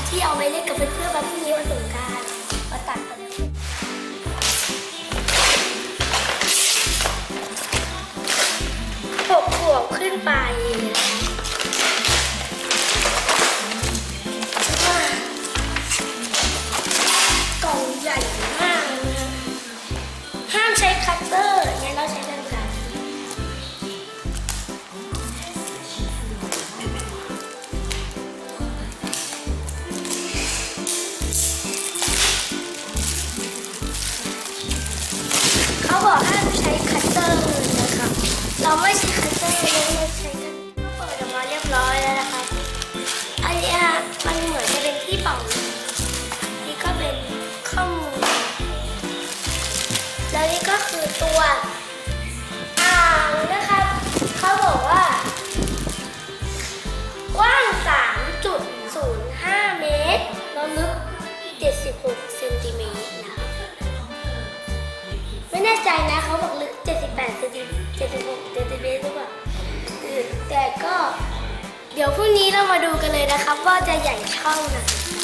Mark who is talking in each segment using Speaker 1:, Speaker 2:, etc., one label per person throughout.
Speaker 1: ที่เอาไปเล่นกับเพื่อนๆมาพรุ่งนี้วันสงกรานต์มาตัดกัน6 ขวบขึ้นไปกล่องใหญ่มากนะห้ามใช้คัตเตอร์งั้นเราใช้กันไกรเขาบอกห้ามใช้คัตเตอร์นะครับเราไม่ใช้คัตเตอร์เราใช้กันเปิดออกมาเรียบร้อยแล้วนะครับอันนี้มันเหมือนจะเป็นที่เป่านี่ก็เป็นข้อมูลแล้วนี่ก็คือตัวอ่างนะครับเขาบอกว่ากว้าง 3.05 เมตรแล้วลึก 76 เซนติเมตรนะครับไม่แน่ใจนะเขาบอกลึก 78 เซนติ76 เซนติเมตรหรือเปล่าแต่ก็เดี๋ยวพรุ่งนี้เรามาดูกันเลยนะครับว่าจะใหญ่เท่าไหร่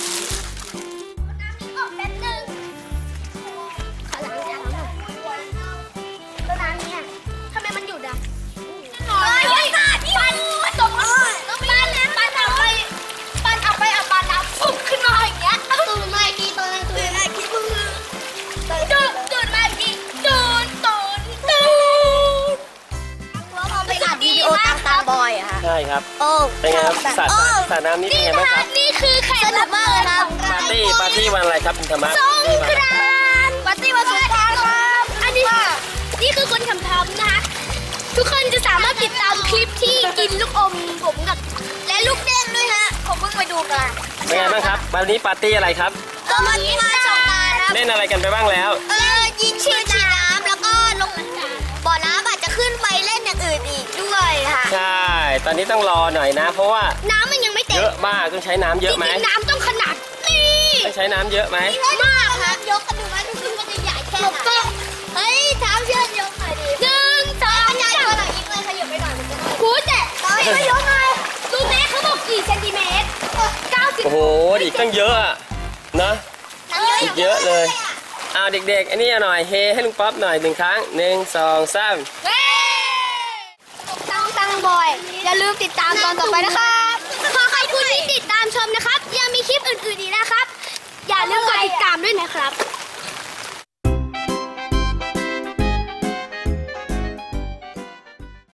Speaker 2: ใช่ครับเป็นไงครับสระน้ำนี่เป็นไงบ้างครับ
Speaker 1: นี่คือแข่งสนุกมากเลยครับ
Speaker 2: ปาร์ตี้วันอะไรครับคุณธรรมะ
Speaker 1: สงกรานต์ปาร์ตี้วันสงกรานต์ครับอันนี้นี่คือคนทำนะคะทุกคนจะสามารถติดตามคลิปที่กินลูกอมผมกับและลูกเด้งด้วยฮะผมเพิ่งไปดูกัน
Speaker 2: เป็นไงบ้างครับวันนี้ปาร์ตี้อะไรครับ
Speaker 1: ก็วันนี้มาสงกรานต์ครับ
Speaker 2: เล่นอะไรกันไปบ้างแล้ว
Speaker 1: ยิงฉีดน้ำแล้วก็ลงบ่อน้ำอาจจะขึ้นไปเล่นอย่างอื่นอีกด้วยค่ะ
Speaker 2: ใช่ตอนนี้ต้องรอหน่อยนะเพราะว่า
Speaker 1: น้ำมันยังไม่เต็ม
Speaker 2: เยอะมากต้องใช้น้ำเยอะไหม
Speaker 1: น้ำต้องขนาดนี้
Speaker 2: ต้องใช้น้ำเยอะไหม
Speaker 1: มากครับยกกันดูว่าดูขึ้นมันจะใหญ่แค่ไหนเฮ้ยเท้าเชือกยกหน่อยดิ1 2 3ขยับตัวหน่อยอีกเลยขยับไปหน่อยมันจะคูแต่ไม่ยกเลยดูแม่เขาบอกกี่เซนติเมตร90
Speaker 2: โอ้โหอีกตั้งเยอะนะอีกเยอะเลยเอาเด็กๆอันนี้หน่อยเฮให้ลุงป๊อปหน่อย1 ครั้ง1 2 3
Speaker 1: ตั้งบอยอย่าลืมติดตามตอนต่อไปนะครับขอขอบคุณที่ติดตามชมนะครับยังมีคลิปอื่นๆอีกนะครับอย่าลืมกดติดตามด้วยนะครับ